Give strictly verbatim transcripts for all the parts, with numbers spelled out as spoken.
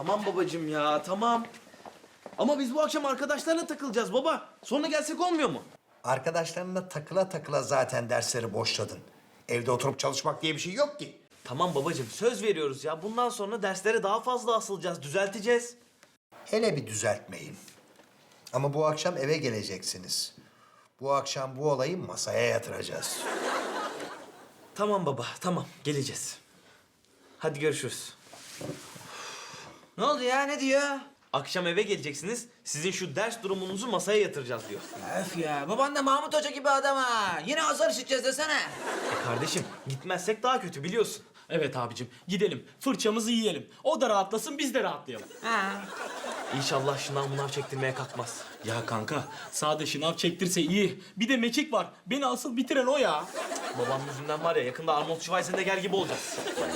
Tamam babacığım ya, tamam. Ama biz bu akşam arkadaşlarla takılacağız baba. Sonra gelsek olmuyor mu? Arkadaşlarınla takıla takıla zaten dersleri boşladın. Evde oturup çalışmak diye bir şey yok ki. Tamam babacığım, söz veriyoruz ya. Bundan sonra derslere daha fazla asılacağız, düzelteceğiz. Hele bir düzeltmeyin. Ama bu akşam eve geleceksiniz. Bu akşam bu olayı masaya yatıracağız. Tamam baba, tamam. Geleceğiz. Hadi görüşürüz. Ne oldu ya? Ne diyor? Akşam eve geleceksiniz. Sizin şu ders durumunuzu masaya yatıracağız diyor. Öf ya. Baban da Mahmut Hoca gibi adam ha. Yine azar işiteceğiz desene. E kardeşim, gitmezsek daha kötü biliyorsun. Evet abicim, gidelim. Fırçamızı yiyelim. O da rahatlasın, biz de rahatlayalım. Ha. İnşallah şınav mınav çektirmeye kalkmaz. Ya kanka, sade şınav çektirse iyi. Bir de mekik var. Beni asıl bitiren o ya. Babam yüzünden var ya, yakında Arnold Schwarzenegger gibi olacağız.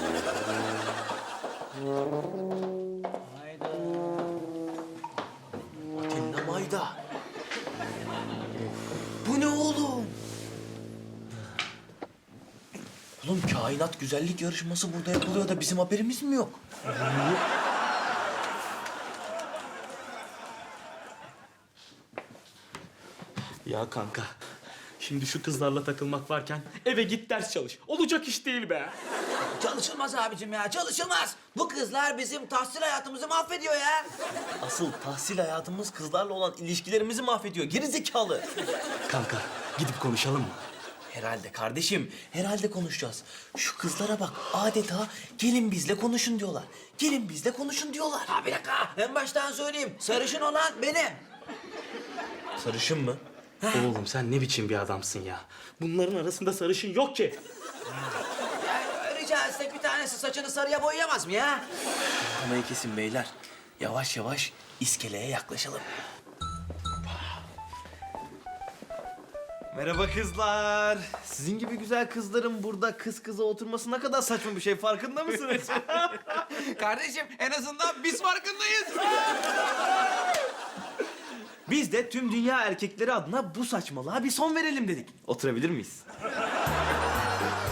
Hayda. Atina Mayda. Bu ne oğlum? Oğlum kainat güzellik yarışması burada yapılıyor da bizim haberimiz mi yok? Ya kanka, şimdi şu kızlarla takılmak varken eve git ders çalış. Olacak iş değil be. Çalışılmaz abicim ya. Çalışılmaz. Bu kızlar bizim tahsil hayatımızı mahvediyor ya. Asıl tahsil hayatımız kızlarla olan ilişkilerimizi mahvediyor. Geri zekalı. Kanka, gidip konuşalım mı? Herhalde kardeşim, herhalde konuşacağız. Şu kızlara bak, adeta gelin bizle konuşun diyorlar. Gelin bizle konuşun diyorlar. Ha bir dakika. En baştan söyleyeyim. Sarışın olan benim. Sarışın mı? Oğlum sen ne biçim bir adamsın ya? Bunların arasında sarışın yok ki. Ya rica etsek bir tanesi saçını sarıya boyayamaz mı ya? Kamayı kesin beyler. Yavaş yavaş iskeleye yaklaşalım. Merhaba kızlar. Sizin gibi güzel kızların burada kız kıza oturması ne kadar saçma bir şey, farkında mısınız? Kardeşim en azından biz farkındayız. Biz de tüm dünya erkekleri adına bu saçmalığa bir son verelim dedik. Oturabilir miyiz?